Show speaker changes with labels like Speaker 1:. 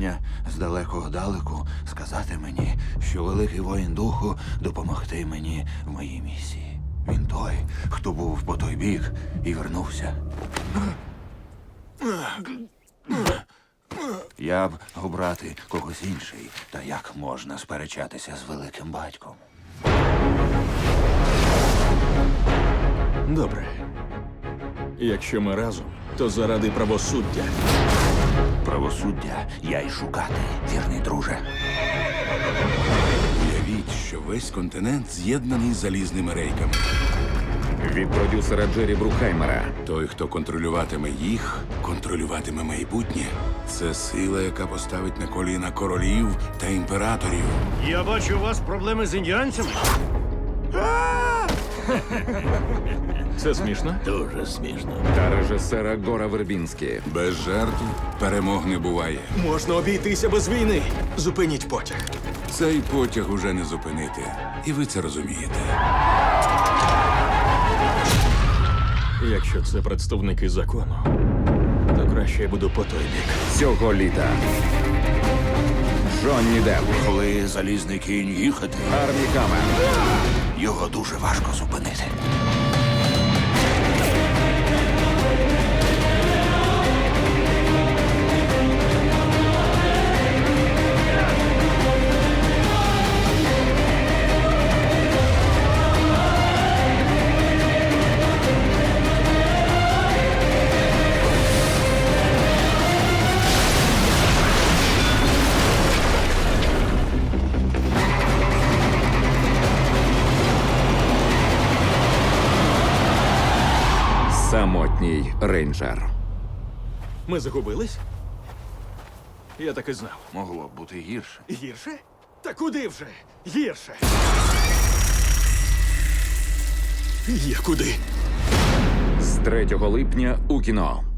Speaker 1: прохання з далекого далеку сказати мені, що великий воїн духу допомогти мені в моїй місії. Він той, хто був по той бік і вернувся. Я б обрати когось інший, та як можна сперечатися з великим батьком?
Speaker 2: Добре. Якщо ми разом, то заради правосуддя.
Speaker 1: Правосуддя я й шукати, вірний друже.
Speaker 3: Уявіть, що весь континент з'єднаний залізними рейками.
Speaker 4: Від продюсера Джері Брукхаймера.
Speaker 3: Той, хто контролюватиме їх, контролюватиме майбутнє. Це сила, яка поставить на коліна королів та імператорів.
Speaker 5: Я бачу, у вас проблеми з індіанцями.
Speaker 2: Це смішно?
Speaker 5: Дуже смішно.
Speaker 4: Та режисера Гора Вербінські.
Speaker 3: Без жертв перемог не буває.
Speaker 2: Можна обійтися без війни. Зупиніть потяг.
Speaker 3: Цей потяг уже не зупинити. І ви це розумієте.
Speaker 2: Якщо це представники закону, то краще я буду по той бік.
Speaker 4: Цього літа. Джонні Депп.
Speaker 1: Коли залізний кінь їхати,
Speaker 4: Армі Хаммер.
Speaker 1: його дуже важко зупинити.
Speaker 4: Самотній рейнджер.
Speaker 2: Ми загубились? Я так і знав.
Speaker 1: Могло б бути гірше.
Speaker 2: Гірше? Та куди вже? Гірше. Є куди.
Speaker 4: З 3 липня у кіно.